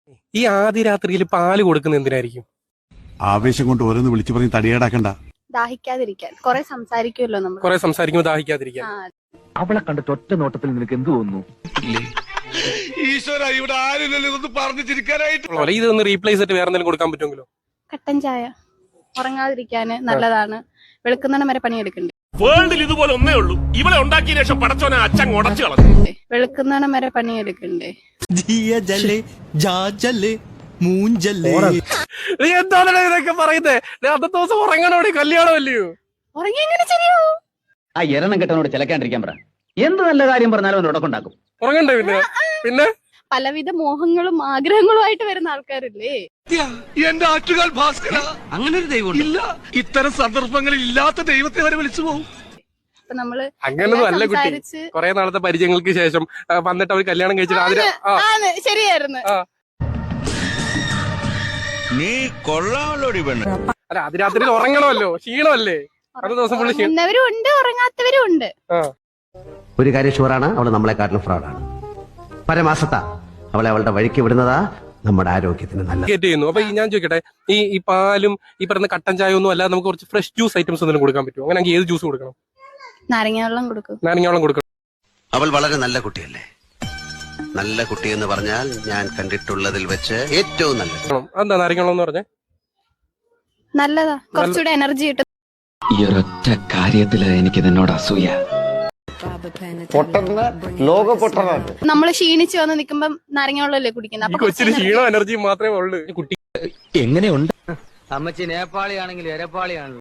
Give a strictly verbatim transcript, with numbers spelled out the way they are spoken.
ഈ ആദ്യ രാത്രിയിൽ പാല് കൊടുക്കുന്ന എന്തിനായിരിക്കും? ആവേശം കൊണ്ട് ഓരോന്ന് വിളിച്ചു പറഞ്ഞ് തടിയേടാക്കണ്ട. ദാഹിക്കാതിരിക്കാൻ. കുറെ സംസാരിക്കുമല്ലോ നമ്മൾ. കുറെ സംസാരിക്കുമ്പോൾ ദാഹിക്കാതിരിക്കാൻ. അവളെ കണ്ടിട്ട് ഒറ്റ നോട്ടത്തിൽ നിനക്ക് എന്ത് തോന്നുന്നു? ഈശ്വര, ഇവിടെ ആരുമില്ലല്ലോ ഇതൊന്നും പറഞ്ഞു ചിരിക്കാനായിട്ട്. ഇതൊന്ന് റീപ്ലേസ് ആയിട്ട് വേറെ എന്തെങ്കിലും കൊടുക്കാൻ പറ്റുമെങ്കിലോ? കട്ടൻ ചായ ഉറങ്ങാതിരിക്കാന് നല്ലതാണ്. വെളുക്കുന്നിടം വരെ പണിയെടുക്കണ്ടേ? വേൾഡിൽ ഇതുപോലെ ഒന്നേ ഉള്ളൂ. ഇവളെ ഉണ്ടാക്കിയ ശേഷം പടച്ചോനെ അച്ഛൻ ഉടച്ചു കളഞ്ഞു. വെളുക്കുന്നിടം വരെ പണിയെടുക്കണ്ടേ? എന്താണ് ഇതൊക്കെ പറയുന്നേ? അന്നത്തെ ദിവസം ഉറങ്ങണോടി, കല്യാണം അല്ലയോ? ഉറങ്ങി എങ്ങനെ ശരിയാവൂ? ആ എരണം കെട്ടവനോട് ചിലക്കാണ്ടിരിക്കാൻ പറ. എന്ത് നല്ല കാര്യം പറഞ്ഞാലും അവൻ ഉടക്കുണ്ടാക്കും. ഉറങ്ങണ്ടേ? പിന്നെ പിന്നെ പലവിധ മോഹങ്ങളും ആഗ്രഹങ്ങളുമായിട്ട് വരുന്ന ആൾക്കാരില്ലേ? എന്റെ ആറ്റുകാൽ ഭാസ്കര, അങ്ങനെ ഒരു ദൈവം ഇല്ല. ഇത്തരം സന്ദർഭങ്ങളിൽ ഇല്ലാത്ത ദൈവത്തെ വരെ വിളിച്ചു പോകും. അപ്പൊ നമ്മള് അങ്ങനൊന്നും അല്ല കുട്ടി. കുറെ നാളത്തെ പരിചയങ്ങൾക്ക് ശേഷം വന്നിട്ട് അവർ കല്യാണം കഴിച്ചിട്ട് ആദ്യം ശരിയായിരുന്നു. നീ കൊള്ളാമല്ലോടി പെണ്ണ്. അല്ല, അത് രാത്രിയിൽ ഉറങ്ങണമല്ലോ, ക്ഷീണമല്ലേ? അത് ദിവസം പുള്ളി ഉറങ്ങുന്നവരും ഉണ്ട്, ഉറങ്ങാത്തവരും ഉണ്ട്. ഒരു കാര്യം ഷുവറാണ്, അവള് നമ്മളെക്കാട്ടിലും ഫ്രോഡാണ്. പരമാസത്ത അവളെ അവളുടെ വഴിക്ക് വിടുന്നതാ നമ്മുടെ ആരോഗ്യത്തിന് നല്ല. ചെയ്യുന്നു. അപ്പൊ ഞാൻ ചോദിക്കട്ടെ, ഈ ഈ പാലും ഈ പറയുന്ന കട്ടൻ ചായ ഒന്നും അല്ലാതെ നമുക്ക് കുറച്ച് ഫ്രഷ് ജ്യൂസ് ഐറ്റംസ് എന്തെങ്കിലും കൊടുക്കാൻ പറ്റുമോ? അങ്ങനെ ഏത് ജ്യൂസ് കൊടുക്കണം? നാരങ്ങ വെള്ളം കൊടുക്കും. നാരങ്ങ വെള്ളം കൊടുക്കണം. അവൾ വളരെ നല്ല കുട്ടിയല്ലേ? നല്ല കുട്ടി എന്ന് പറഞ്ഞാൽ ഞാൻ കണ്ടിട്ടുള്ളതിൽ വെച്ച് ഏറ്റവും നല്ല. എന്താ നാരങ്ങ വെള്ളം എന്ന് പറഞ്ഞേ? നല്ലതാ, കുറച്ചുകൂടെ എനർജി കിട്ടും. ഈ ഒരൊറ്റ കാര്യത്തില് എനിക്ക് നിന്നോട് അസൂയ. നമ്മള് ക്ഷീണിച്ച് വന്ന് നിക്കുമ്പം നാരങ്ങ വെള്ളമല്ലേ കുടിക്കുന്നത്? കൊച്ചിന് ക്ഷീണോ എനർജിയും മാത്രമേ ഉള്ളൂ. കുട്ടി എങ്ങനെയുണ്ട്? അമ്മച്ചി നേപ്പാളിയാണെങ്കിൽ എരപ്പാളിയാണല്ലോ.